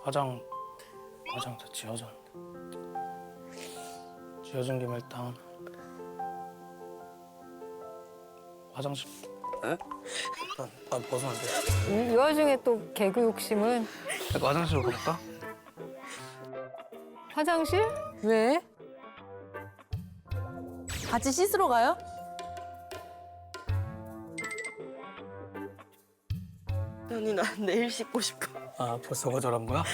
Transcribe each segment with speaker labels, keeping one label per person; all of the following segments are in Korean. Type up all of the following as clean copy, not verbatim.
Speaker 1: 화장 다 지워졌는데. 지워진 김에 일단 화장실.
Speaker 2: 에?
Speaker 1: 나 벗으면 안 돼.
Speaker 3: 이 와중에 또 개그 욕심은.
Speaker 1: 내가 화장실로 가볼까?
Speaker 3: 화장실?
Speaker 4: 왜? 같이 씻으러 가요?
Speaker 5: 현이 난 내일 씻고 싶어.
Speaker 1: 아 벌써 거절한 거야?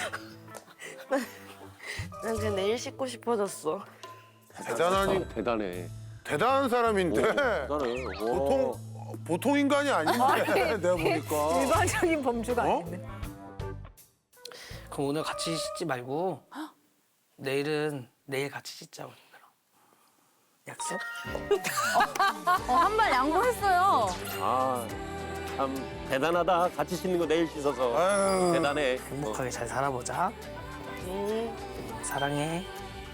Speaker 5: 난 그냥 내일 씻고 싶어졌어.
Speaker 2: 대단하니
Speaker 6: 대단해.
Speaker 2: 대단한 사람인데
Speaker 6: 대단해.
Speaker 2: 보통 인간이 아닌데 내가 보니까.
Speaker 3: 일반적인 범주가
Speaker 2: 어?
Speaker 3: 아닌데.
Speaker 1: 그럼 오늘 같이 씻지 말고 내일은 내일 같이 씻자고. 약속?
Speaker 4: 한 발 양보했어요.
Speaker 6: 아, 참 대단하다. 같이 씻는 거 내일 씻어서.
Speaker 2: 아유,
Speaker 6: 대단해.
Speaker 1: 행복하게 잘 살아보자. 사랑해.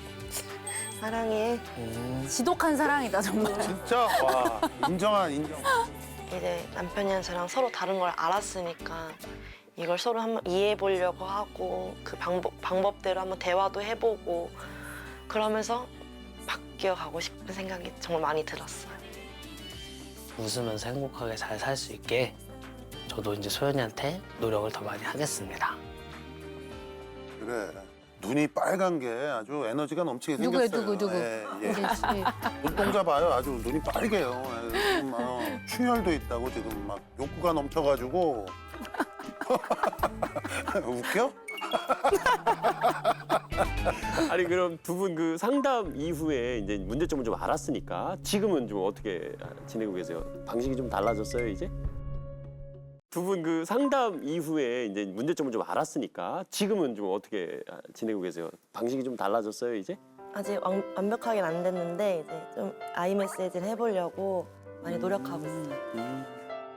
Speaker 5: 사랑해.
Speaker 4: 지독한 사랑이다 정말.
Speaker 2: 진짜 와 인정.
Speaker 5: 이제 남편이랑 저랑 서로 다른 걸 알았으니까 이걸 서로 한번 이해해 보려고 하고 그 방법대로 한번 대화도 해보고 그러면서 바뀌어가고 싶은 생각이 정말 많이 들었어요.
Speaker 1: 웃으면서 행복하게 잘 살 수 있게 저도 이제 소연이한테 노력을 더 많이 하겠습니다.
Speaker 2: 그래. 눈이 빨간 게 아주 에너지가 넘치게
Speaker 4: 누구예요,
Speaker 2: 생겼어요.
Speaker 4: 누구?
Speaker 2: 예, 예.
Speaker 4: 우리 씨.
Speaker 2: 눈동자 봐요. 아주 눈이 빨개요. 예, 지금 막 충혈도 있다고 지금 막 욕구가 넘쳐가지고. 웃겨?
Speaker 6: 아니 그럼 두 분 그 상담 이후에 이제 문제점을 좀 알았으니까 지금은 좀 어떻게 지내고 계세요? 방식이 좀 달라졌어요 이제? 두 분 그 상담 이후에 이제 문제점을 좀 알았으니까 지금은 좀 어떻게 지내고 계세요? 방식이 좀 달라졌어요 이제?
Speaker 5: 아직 완벽하게는 안 됐는데 이제 좀 아이 메시지를 해보려고 많이 노력하고 있어요.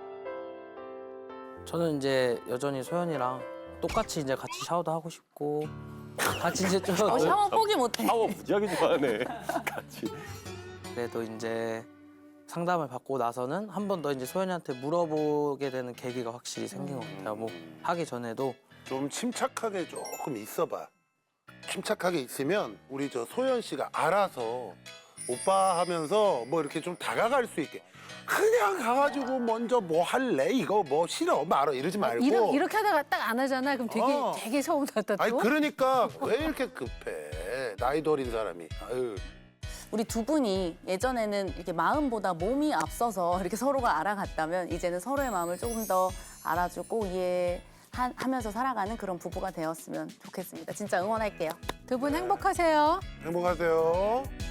Speaker 1: 저는 이제 여전히 소연이랑 똑같이 이제 같이 샤워도 하고 싶고 같이 이제 좀
Speaker 4: 샤워 포기 못해.
Speaker 6: 샤워 무지하게 좋아하네. 같이.
Speaker 1: 그래도 이제 상담을 받고 나서는 한 번 더 이제 소연이한테 물어보게 되는 계기가 확실히 생긴 것 같아요. 뭐 하기 전에도
Speaker 2: 좀 침착하게 조금 있어봐. 침착하게 있으면 우리 저 소연 씨가 알아서 오빠 하면서 뭐 이렇게 좀 다가갈 수 있게. 그냥 가가지고 먼저 뭐 할래? 이거 뭐 싫어? 말어 이러지 말고.
Speaker 3: 이렇게 하다가 딱 안 하잖아. 그럼 되게 서운하다 또.
Speaker 2: 아니 그러니까 왜 이렇게 급해? 나이도 어린 사람이. 아유.
Speaker 4: 우리 두 분이 예전에는 이렇게 마음보다 몸이 앞서서 이렇게 서로가 알아갔다면 이제는 서로의 마음을 조금 더 알아주고 이해하면서 살아가는 그런 부부가 되었으면 좋겠습니다. 진짜 응원할게요.
Speaker 3: 두 분 행복하세요.
Speaker 2: 행복하세요.